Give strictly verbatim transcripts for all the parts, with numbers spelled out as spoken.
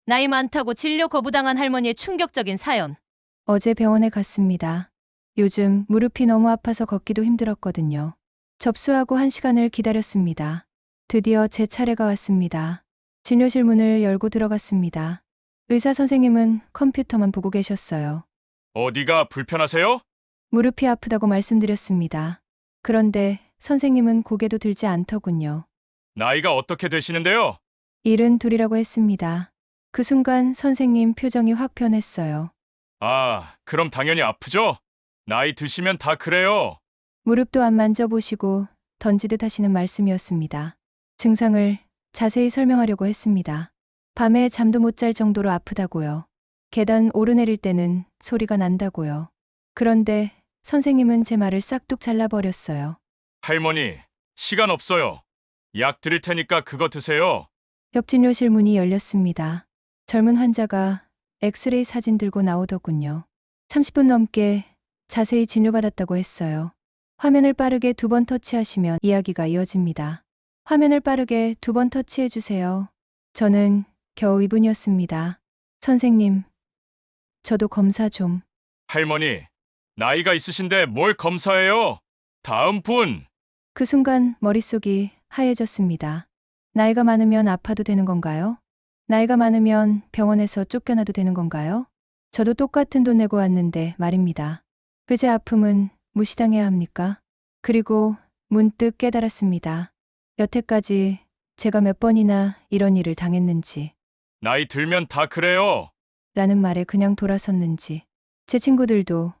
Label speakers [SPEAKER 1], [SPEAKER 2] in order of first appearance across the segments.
[SPEAKER 1] 나이 많다고 진료 거부당한 할머니의 충격적인 사연.
[SPEAKER 2] 어제 병원에 갔습니다. 요즘 무릎이 너무 아파서 걷기도 힘들었거든요. 접수하고 한 시간을 기다렸습니다. 드디어 제 차례가 왔습니다. 진료실 문을 열고 들어갔습니다. 의사 선생님은 컴퓨터만 보고 계셨어요.
[SPEAKER 3] 어디가 불편하세요?
[SPEAKER 2] 무릎이 아프다고 말씀드렸습니다. 그런데 선생님은 고개도 들지 않더군요.
[SPEAKER 3] 나이가 어떻게 되시는데요?
[SPEAKER 2] 일은 둘이라고 했습니다. 그 순간 선생님 표정이 확 변했어요.
[SPEAKER 3] 아, 그럼 당연히 아프죠? 나이 드시면 다 그래요.
[SPEAKER 2] 무릎도 안 만져보시고 던지듯 하시는 말씀이었습니다. 증상을 자세히 설명하려고 했습니다. 밤에 잠도 못 잘 정도로 아프다고요. 계단 오르내릴 때는 소리가 난다고요. 그런데 선생님은 제 말을 싹둑 잘라버렸어요.
[SPEAKER 3] 할머니, 시간 없어요. 약 드릴 테니까 그거 드세요.
[SPEAKER 2] 옆 진료실 문이 열렸습니다. 젊은 환자가 엑스레이 사진 들고 나오더군요. 삼십 분 넘게 자세히 진료받았다고 했어요. 화면을 빠르게 두 번 터치하시면 이야기가 이어집니다. 화면을 빠르게 두 번 터치해 주세요. 저는 겨우 이 분이었습니다. 선생님, 저도 검사 좀.
[SPEAKER 3] 할머니, 나이가 있으신데 뭘 검사해요? 다음 분.
[SPEAKER 2] 그 순간 머릿속이 하얘졌습니다. 나이가 많으면 아파도 되는 건가요? 나이가 많으면 병원에서 쫓겨나도 되는 건가요? 저도 똑같은 돈 내고 왔는데 말입니다. 왜 제 아픔은 무시당해야 합니까? 그리고 문득 깨달았습니다. 여태까지 제가 몇 번이나 이런 일을 당했는지,
[SPEAKER 3] 나이 들면 다 그래요.
[SPEAKER 2] 라는 말에 그냥 돌아섰는지, 제 친구들도,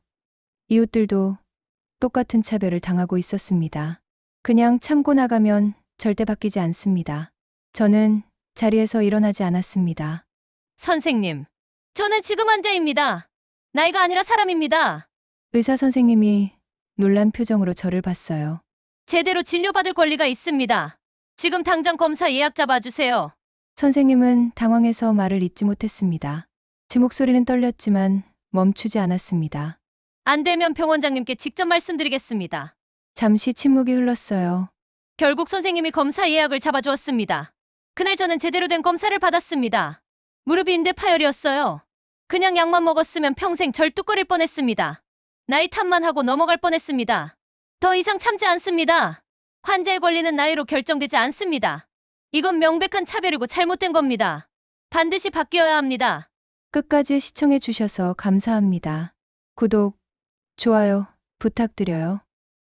[SPEAKER 2] 이웃들도 똑같은 차별을 당하고 있었습니다. 그냥 참고 나가면 절대 바뀌지 않습니다. 저는 자리에서 일어나지 않았습니다.
[SPEAKER 1] 선생님, 저는 지금 환자입니다. 나이가 아니라 사람입니다.
[SPEAKER 2] 의사 선생님이 놀란 표정으로 저를 봤어요.
[SPEAKER 1] 제대로 진료받을 권리가 있습니다. 지금 당장 검사 예약 잡아주세요.
[SPEAKER 2] 선생님은 당황해서 말을 잇지 못했습니다. 제 목소리는 떨렸지만 멈추지 않았습니다.
[SPEAKER 1] 안 되면 병원장님께 직접 말씀드리겠습니다.
[SPEAKER 2] 잠시 침묵이 흘렀어요.
[SPEAKER 1] 결국 선생님이 검사 예약을 잡아주었습니다. 그날 저는 제대로 된 검사를 받았습니다. 무릎이 인대 파열이었어요. 그냥 약만 먹었으면 평생 절뚝거릴 뻔했습니다. 나이 탓만 하고 넘어갈 뻔했습니다. 더 이상 참지 않습니다. 환자의 권리는 나이로 결정되지 않습니다. 이건 명백한 차별이고 잘못된 겁니다. 반드시 바뀌어야 합니다.
[SPEAKER 2] 끝까지 시청해 주셔서 감사합니다. 구독, 좋아요 부탁드려요.